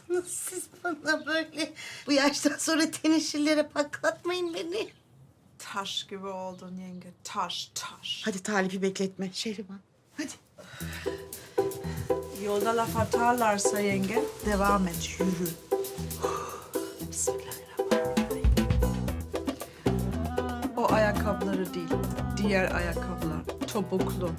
Siz bana böyle bu yaştan sonra teneşirlere patlatmayın beni. Taş gibi oldun yenge. Taş, taş. Hadi Talip'i bekletme Şehriban. Hadi. Yolda laf atarlarsa yenge devam et, yürü. Bismillahirrahmanirrahim. O ayakkabıları değil, diğer ayakkabılar. Topuklu.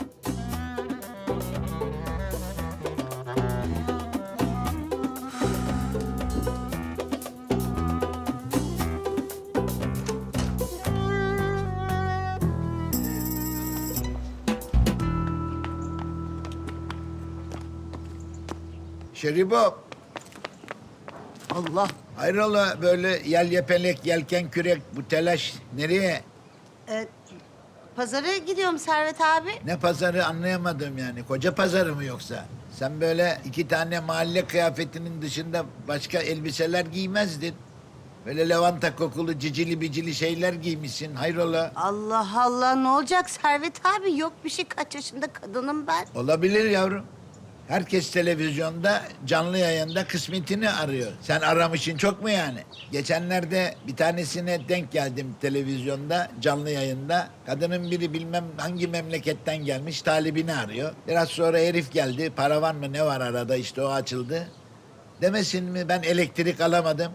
Şeribo, Allah. hayrola böyle yel yepelek, yelken kürek, bu telaş nereye? Pazara gidiyorum Servet abi. Ne pazarı anlayamadım yani. Koca pazarı mı yoksa? Sen böyle 2 tane mahalle kıyafetinin dışında başka elbiseler giymezdin. Böyle lavanta kokulu cicili bicili şeyler giymişsin. Hayrola? Allah Allah ne olacak Servet abi? Yok bir şey, kaç yaşında kadınım ben. Olabilir yavrum. Herkes televizyonda, canlı yayında kısmetini arıyor. Sen aramışsın çok mu yani? Geçenlerde bir tanesine denk geldim televizyonda, canlı yayında. Kadının biri bilmem hangi memleketten gelmiş, talibini arıyor. Biraz sonra herif geldi, para var mı ne var arada, işte o açıldı. Demesin mi ben elektrik alamadım?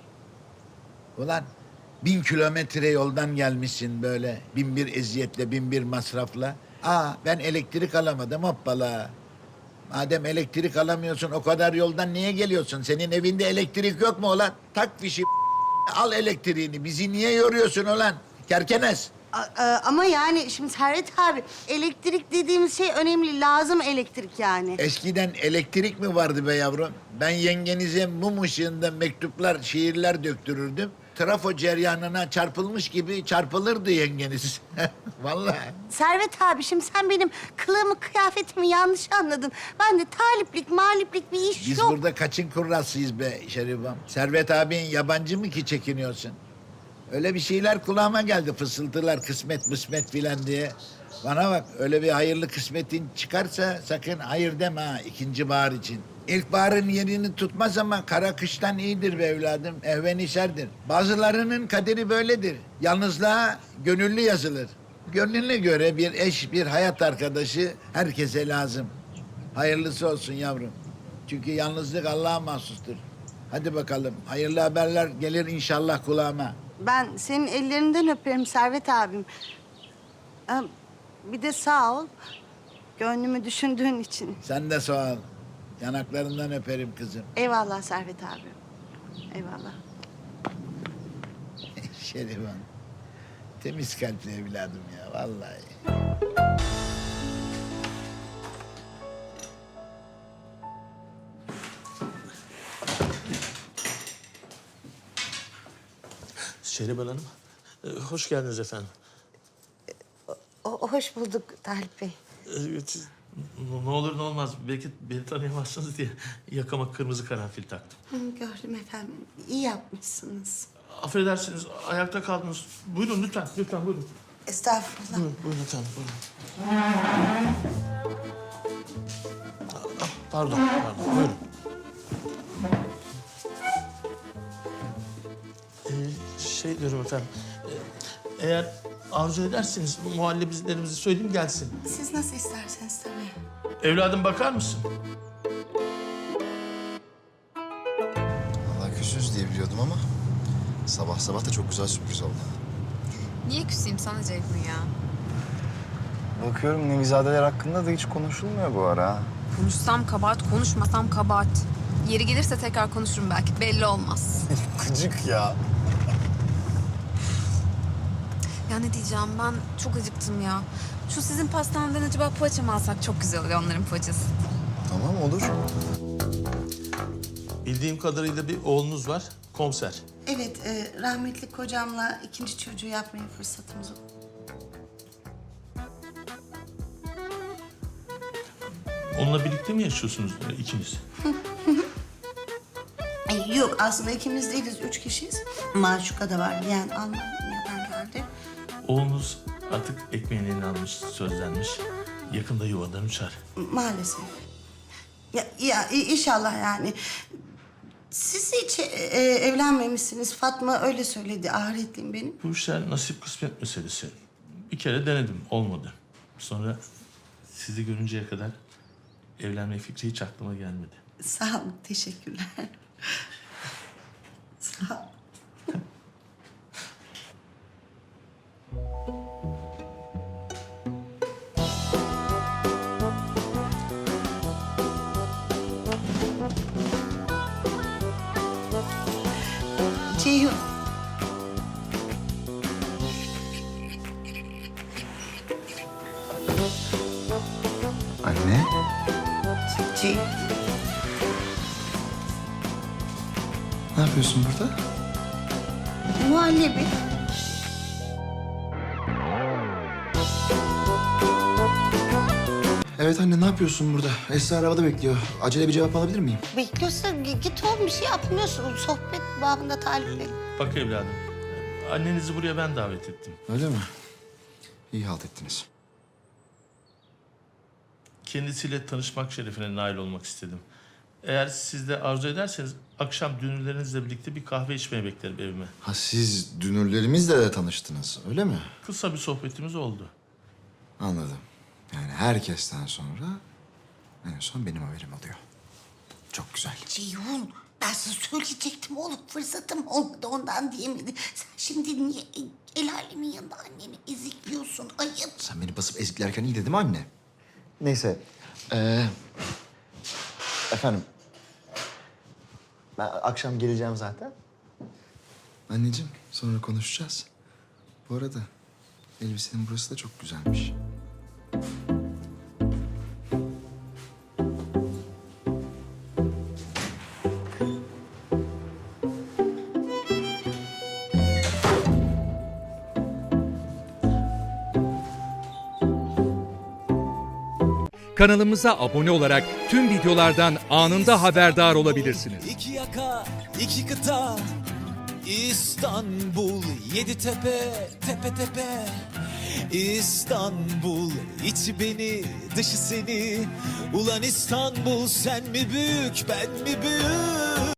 Ulan 1000 kilometre yoldan gelmişsin böyle, 1001 eziyetle, 1001 masrafla. Ben elektrik alamadım, hoppala. Madem elektrik alamıyorsun, o kadar yoldan niye geliyorsun? Senin evinde elektrik yok mu ulan? Tak fişi, al elektriğini. Bizi niye yoruyorsun ulan? Kerkenes. Ama yani şimdi Servet abi, elektrik dediğimiz şey önemli, lazım elektrik yani. Eskiden elektrik mi vardı be yavrum? Ben yengenize mum ışığında mektuplar, şiirler döktürürdüm. Trafo ceryanına çarpılmış gibi çarpılırdı yengeniz. Vallahi. Servet abi, şimdi sen benim kılığımı, kıyafetimi yanlış anladın. Ben de taliplik, maliplik bir iş Biz yok. burada kaçın kurrasıyız be Şerifam? Servet abin yabancı mı ki çekiniyorsun? Öyle bir şeyler kulağıma geldi, fısıltılar, kısmet mısmet filan diye. Bana bak, öyle bir hayırlı kısmetin çıkarsa sakın hayır deme ha, ikinci bahar için. İlkbaharın yerini tutmaz ama kara kıştan iyidir be evladım, ehvenişerdir. Bazılarının kaderi böyledir. Yalnızlığa gönüllü yazılır. Gönlüne göre bir eş, bir hayat arkadaşı herkese lazım. Hayırlısı olsun yavrum. Çünkü yalnızlık Allah'a mahsustur. Hadi bakalım, hayırlı haberler gelir inşallah kulağıma. Ben senin ellerinden öperim Servet abim. Bir de sağ ol, gönlümü düşündüğün için. Sen de sağ ol. Yanaklarından öperim kızım. Eyvallah Servet abi. Eyvallah. Şerifan. Temiz kalpli evladım ya vallahi. Şehriban Hanım, hoş geldiniz efendim. Hoş bulduk Talip Bey. Ne olur ne olmaz, belki beni tanıyamazsınız diye yakama kırmızı karanfil taktım. Gördüm efendim. İyi yapmışsınız. Affedersiniz, ayakta kaldınız. Buyurun lütfen, lütfen buyurun. Estağfurullah. Buyurun efendim, buyurun. Pardon, buyurun. Şey diyorum efendim, eğer arzu ederseniz muhallebilerimizi söyleyeyim gelsin. Siz nasıl isterseniz tabii. Evladım bakar mısın? Vallahi küsüz diye biliyordum ama sabah sabah da çok güzel sürpriz oldu. Niye küseyim sana Ceyhun ya? Bakıyorum Nevizadeler hakkında da hiç konuşulmuyor bu ara. Konuşsam kabahat, konuşmasam kabahat. Yeri gelirse tekrar konuşurum belki, belli olmaz. Gıcık ya. Ya ne diyeceğim, ben çok acıktım ya. Şu sizin pastaneden acaba poğaça mı alsak, çok güzel oluyor onların poğaçası. Tamam olur. Bildiğim kadarıyla bir oğlunuz var, komiser. Evet, rahmetli kocamla ikinci çocuğu yapmaya fırsatımız oldu. Onunla birlikte mi yaşıyorsunuz ikiniz? Yok, aslında ikimiz değiliz, 3 kişiyiz. Maşuka da var, yani Almanya'dan geldi. Oğlunuz artık ekmeğini eline almış, sözlenmiş. Yakında yuvadan uçar. Maalesef. Ya inşallah yani. hiç evlenmemişsiniz. Fatma öyle söyledi. Ahiretliyim benim. Bu işler nasip kısmet meselesi. Bir kere denedim, olmadı. Sonra sizi görünceye kadar evlenme fikri hiç aklıma gelmedi. Sağ olun, teşekkürler. Sağ ol. Ceyhun. Anne. Ceyhun. Ne yapıyorsun burada? Muhallebi. Evet anne ne yapıyorsun burada? Esra arabada bekliyor. Acele bir cevap alabilir miyim? Bekliyorsa git oğlum, bir şey yapmıyorsun. Sohbet babında talipleri. Bak evladım, annenizi buraya ben davet ettim. Öyle mi? İyi halt ettiniz. Kendisiyle tanışmak şerefine nail olmak istedim. Eğer siz de arzu ederseniz akşam dünürlerinizle birlikte bir kahve içmeye beklerim evime. Ha siz dünürlerimizle de tanıştınız öyle mi? Kısa bir sohbetimiz oldu. Anladım. Yani herkesten sonra en son benim haberim oluyor. Çok güzel. Ceyhun, ben sana söyleyecektim oğlum. Fırsatım olmadı, ondan diyemedi. Sen şimdi niye el alemin yanında anneni ezikliyorsun? Ayıp. Sen beni basıp eziklerken iyi dedim anne. Neyse. Efendim. Ben akşam geleceğim zaten. Anneciğim sonra konuşacağız. Bu arada elbisenin burası da çok güzelmiş. Kanalımıza abone olarak tüm videolardan anında haberdar olabilirsiniz. İki yaka, iki kıta, İstanbul, yedi tepe, tepe tepe. İstanbul, içi beni, dışı seni. Ulan İstanbul, sen mi büyük, ben mi büyük?